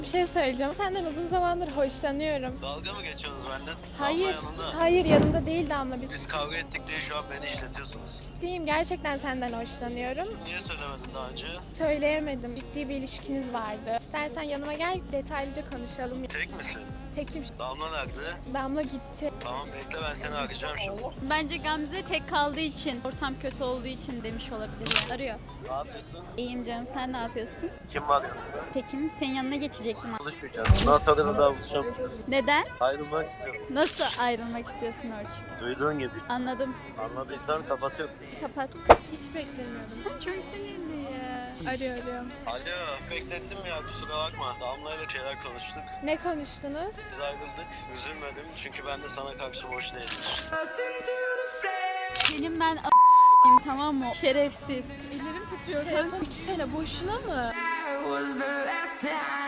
Bir şey söyleyeceğim. Senden uzun zamandır hoşlanıyorum. Dalga mı geçiyorsunuz benden? Hayır, Damla yanında. hayır yanımda değil Damla. Biz kavga ettik diye şu an beni işletiyorsunuz. Ciddiyim, gerçekten senden hoşlanıyorum. Niye söylemedin daha önce? Söyleyemedim. Ciddi bir ilişkiniz vardı. İstersen yanıma gel, detaylıca konuşalım. Tek misin? Tekim. Damla nerede? Damla gitti. Tamam bekle, ben seni arayacağım şimdi. Bence Gamze tek kaldığı için, ortam kötü olduğu için demiş olabilir. Arıyor. Ne yapıyorsun? İyiyim canım, sen ne yapıyorsun? Kim var yanında? Tekim, senin yanına geçecektim. Buluşmayacağız. Bundan sonra da daha buluşamayacağız. Neden? Ayrılmak istiyorum. Nasıl ayrılmak istiyorsun Orçun? Duyduğun gibi. Anladım. Anladıysan kapatıyorum. Kapat. Hiç beklemiyordum. Çok sinirli ya. Arıyorum. Alo, beklettim ya, kusura bakma. Damla'yla şeyler konuştuk. Ne konuştunuz? Biz ayrıldık. Üzülmedim çünkü ben de sana karşı boş değilim. Senin ben tamam mı? Şerefsiz. Ellerim titriyor. Şey yapalım. 3 sene boşuna mı? was the last time